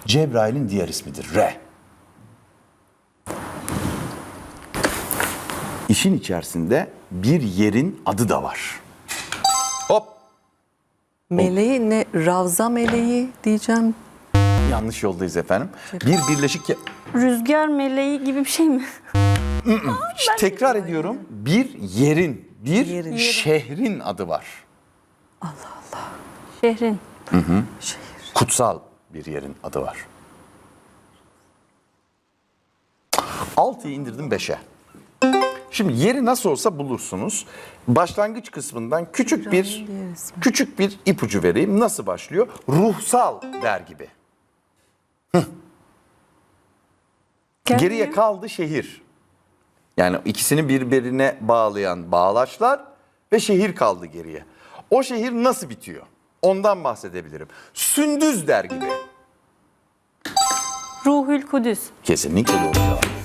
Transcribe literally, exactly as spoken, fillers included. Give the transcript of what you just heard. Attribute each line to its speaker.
Speaker 1: Cebrail'in diğer ismidir. R. İşin içerisinde bir yerin adı da var. Hop.
Speaker 2: Meleği ne? Ravza meleği diyeceğim.
Speaker 1: Yanlış yoldayız efendim. Bir birleşik...
Speaker 3: Rüzgar meleği gibi bir şey mi?
Speaker 1: Tekrar ediyorum. Bir yerin, bir
Speaker 2: Yerin.
Speaker 1: şehrin adı var.
Speaker 3: Şehrin.
Speaker 2: Şehir.
Speaker 1: Kutsal bir yerin adı var. altıyı indirdim beşe. Şimdi yeri nasıl olsa bulursunuz. Başlangıç kısmından küçük bir
Speaker 2: diğer ismi.
Speaker 1: küçük bir ipucu vereyim. Nasıl başlıyor? Ruhsal der gibi.
Speaker 3: Geldi
Speaker 1: Geriye
Speaker 3: mi?
Speaker 1: kaldı şehir. Yani ikisini birbirine bağlayan bağlaçlar ve şehir kaldı geriye. O şehir nasıl bitiyor? Ondan bahsedebilirim. Sündüz der gibi.
Speaker 3: Ruhül Kudüs.
Speaker 1: Kesinlikle doğru cevap.